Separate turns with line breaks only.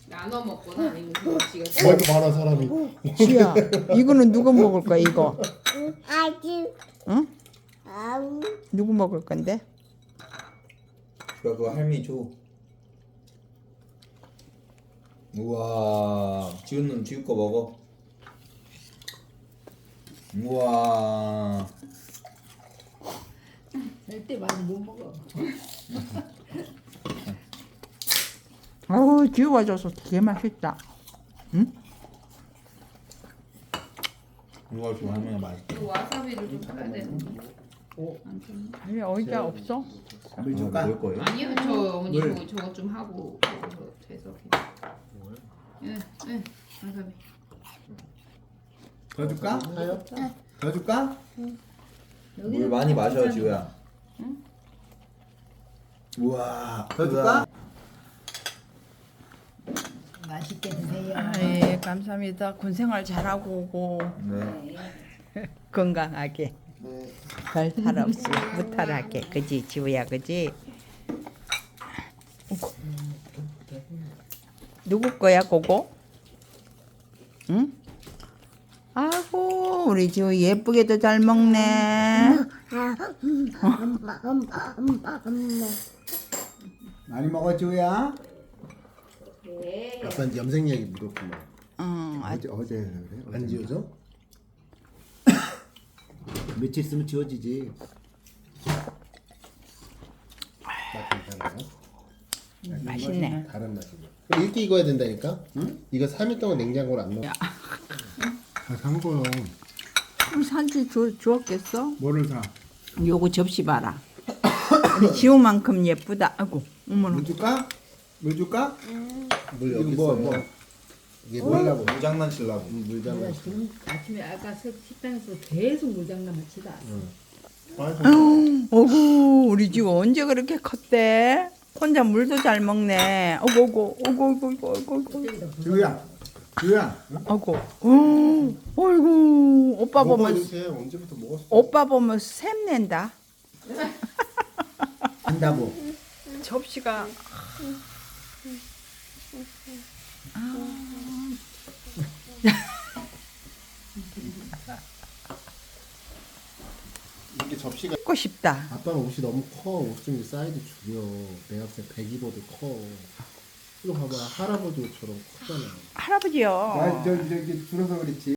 나눠 먹거나 아니면 그거 지가
뭐 이렇게 많아 사람이.
지야, 이거는 누가 먹을 거야 이거?
아주
응?
아우
누구 먹을 건데?
그거 할미 줘. 우와, 지훈은 지우 거 먹어. 우와,
절대 많이 못 먹어.
어우, 지우가 줘서 되게 맛있다. 응?
이거 좀 할머니가 맛있게.
그 와사비를 좀 사야 되는데. 안 줬네.
아니 의자 없어?
물 줄까? 먹을 거예요?
아니요, 저 어머니
물.
저거 좀 하고 그거 돼서. 예, 예, 와사비.
더 줄까? 더 줄까? 물
여기는
많이 마셔,
괜찮아.
지우야. 우와, 더 줄까?
맛있게 드세요.
예, 감사합니다. 군생활 잘하고 오고
네.
건강하게 별 탈 없이 무탈하게 그지 지우야 그지? 어구. 누구 거야 그거? 응? 아고 우리 지우 예쁘게도 잘 먹네.
많이 먹어, 지우야.
네.
아빠 이제 염색약이 묻었구만.
응,
어제 그래?
안 지워져? 며칠 있으면 지워지지. 맛 괜찮아요?
맛있네.
다른 맛이네. 그럼 이렇게 익어야 된다니까? 응? 이거 3일 동안 냉장고를 안 넣어.
산 거요.
산지 주었겠어?
뭐를 사?
요거 접시 봐라. 우리 지우만큼 예쁘다. 아이고, 어머나.
물 줄까? 물 줄까?
물
이거
여기
뭐,
있어요.
뭐?
이게
뭐라고? 물 장난치려고.
물 담아.
지금 아침에 아까 식당에서 계속 물장난을 치다.
어구, 우리 지우 언제 그렇게 컸대? 혼자 물도 잘 먹네. 어구, 어구.
지우야, 지우야.
어구, 어이구, 오빠 보면,
이렇게 언제부터 먹었어?
오빠 보면 샘낸다.
한다고.
접시가.
이게 접시가.
먹고 싶다.
아빠는 옷이 너무 커. 옷 좀 사이즈 줄여. 내가 봤을 때 100입어도 커. 이거 봐봐. 할아버지 옷처럼 크잖아.
할아버지요.
아, 저기 줄어서 그렇지.